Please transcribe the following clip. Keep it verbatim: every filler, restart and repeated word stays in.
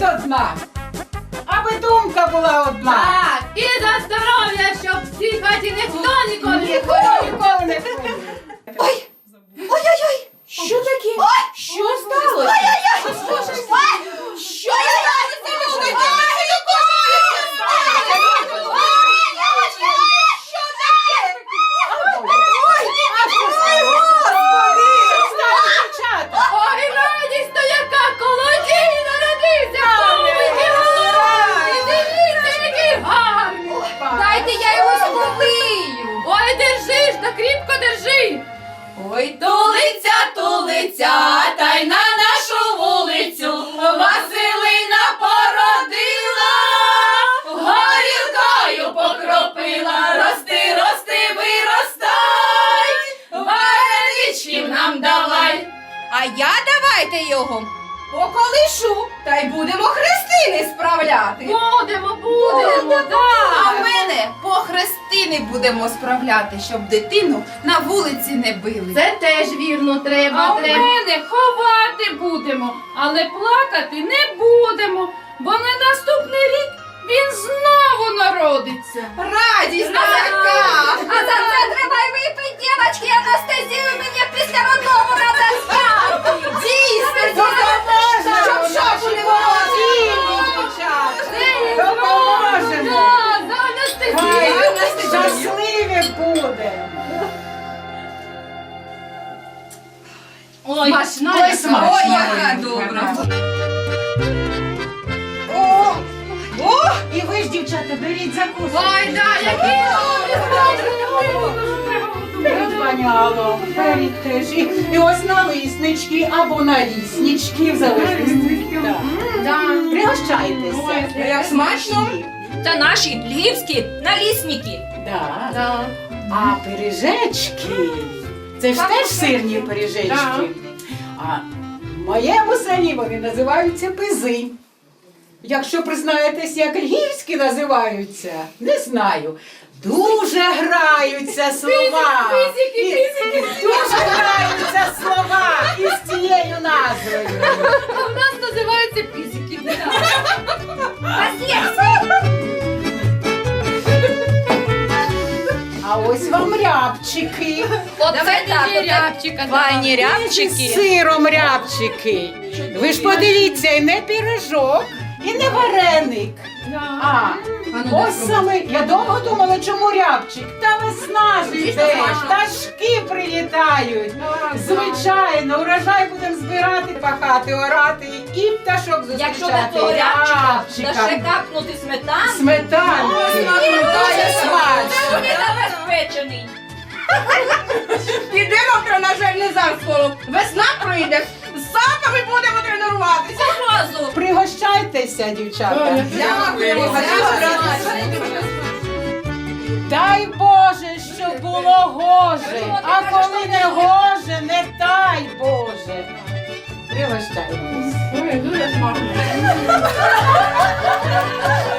одна. Аби думка була одна. Так, і за здоров'я, щоб в цій хаті ніхто ніколи не Ніхто хворів. ніколи не хворів. Ой! Ой-ой-ой! Що таке? Ой! Що сталося? Ой-ой-ой! Ой! Що сталося? Ой, радість то яка, колодій народився! Ой, який дивіться, який гарний! Дайте я його сповию! Ой, держи ж, та кріпко держи! Ой, тулиця, тулиця, та й на нашу вулицю Василина породила, горілкою покропила, рости, рости, виростай, вареничків нам давай. А я давайте його поколишу, та й будемо хрестини справляти. Будемо, будемо, А так! в мене по хрестини будемо справляти, щоб дитину на вулиці не били. Це теж вірно треба, А в треба. мене ховати будемо, але плакати не будемо, бо на наступний рік він знову народиться. Радість така! А за це треба й випити, дівчатки, анестезію мені після родного надо зняти. Дійсно, дійсно, щоб шоку не Допоможемо. Да, за анестезію. Хай щасливі буде. Ой, смачна Ой, яка. смачна. Ой, яка добра. О, о, і ви ж, дівчата, беріть закуску. Ой, да, які Беріть, пані Алло, беріть теж. І, і ось налиснички або наліснички, в залежності. Так. Пригощайтеся. Як смачно. Та наші львівські налісники. Да. Да. А пиріжечки, це ж теж сирні пиріжечки. А в моєму селі вони називаються пизи. Якщо признаєтесь, як львівські називаються, не знаю. Дуже граються слова. І- Дуже граються слова із цією назвою. А в нас називаються пісики. А ось вам рябчики. Оце Давайте так, ще оце рябчика. файні З рябчики. сиром рябчики. Ви ж подивіться, і не пиріжок, і не вареник. А, ось саме, я довго думала, чому рябчик. Та весна ж іде, пташки прилітають. Звичайно, урожай будемо збирати, пахати, орати і пташок зустрічати. Якщо до того рябчика, та ще Рябчика. капнути сметан, Сметанки. Дуже смачно. буде забезпечений. Підемо в тренажерний зал скоро. Весна прийде. З саками будемо тренуватися. Зразу. Пригощайтеся, дівчата. Дякуємо. Дай Боже, щоб було гоже, а коли не гоже, не дай Боже. Пригощайтеся. Ой, дуже смачно.